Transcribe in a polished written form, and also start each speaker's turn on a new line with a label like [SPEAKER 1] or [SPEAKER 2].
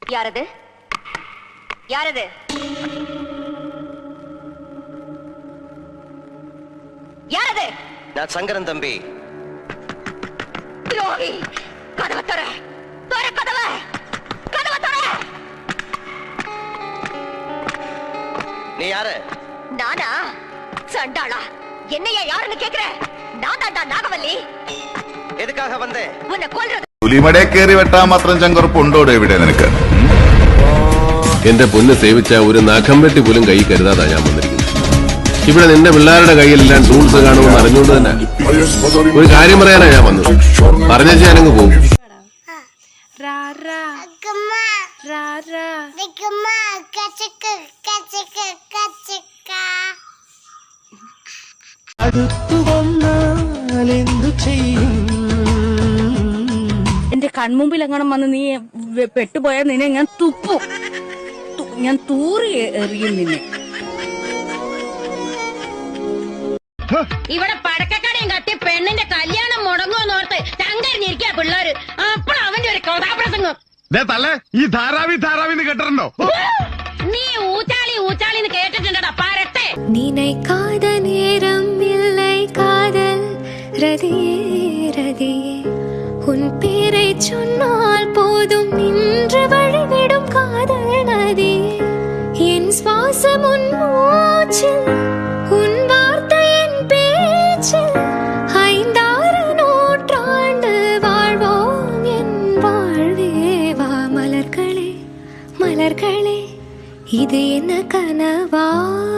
[SPEAKER 1] யாரது யாரது? யாரது?
[SPEAKER 2] நான் சங்கரன் தம்பி.
[SPEAKER 1] துரோகி! கதவை தர! தர கதவை! கதவை தர!
[SPEAKER 2] நீ யாரு?
[SPEAKER 1] நானா? சண்டாளா! என்னையா யாருன்னு கேக்குற? நான் தாண்டா நாகவல்லி.
[SPEAKER 2] എതുക്കാக വന്നേ?
[SPEAKER 1] ഉന്നെ കൊല്ലുന്നത്.
[SPEAKER 3] പുലിമടയെ കയറി വെട്ടാൻ മാത്രം ചങ്കുറപ്പുണ്ടോടെ ഇവിടെ നിനക്ക്?
[SPEAKER 4] എന്റെ പൊന്ന് സേവിച്ച ഒരു നഖം വെട്ടി പോലും കൈ കരുതാതാ ഞാൻ വന്നിരിക്കുന്നത്. ഇവിടെ നിന്റെ പിള്ളേരുടെ കയ്യിലെല്ലാം ടൂൾസ് കാണുമെന്ന് അറിഞ്ഞുകൊണ്ട് തന്നെ ഒരു കാര്യം പറയാനാ ഞാൻ വന്നത്. പറഞ്ഞ ഞാനങ്ങ് പോകും.
[SPEAKER 5] എന്റെ കൺമുമ്പിൽ എങ്ങനെ വന്ന് നീ പെട്ടുപോയാൽ നിന്നെ ഞാൻ തുപ്പും. ഞാൻ തൂറി എറിയും നിന്നെ.
[SPEAKER 6] ഇവിടെ പടക്കക്കടയും കത്തി പെണ്ണിന്റെ കല്യാണം മുടങ്ങുമെന്നോർത്ത് ചങ്കരിഞ്ഞിരിക്കാ പിള്ളേര്. അപ്പോൾ അവന്റെ ഒരു കഥാപ്രസംഗം.
[SPEAKER 7] ഈ ധാരാവി കേട്ടിട്ടുണ്ടോ?
[SPEAKER 6] നീ ഊച്ചാളിന്ന് കേട്ടിട്ടുണ്ടടാ പരട്ടെ.
[SPEAKER 8] நினைக்காத நேரம் இல்லை காதல் ரதியே ரதியே உன் பேரை சொன்னால் போதும் நின்று வழிவிடும் காதல் நதி என் சுவாசம் உன் மூச்சில் உன் வார்த்தை என் பேச்சில் 5-6 நூற்றாண்டு வாழ்வோம் என் வாழ்வே வா மலர்களே மலர்களே இது என்ன கனவா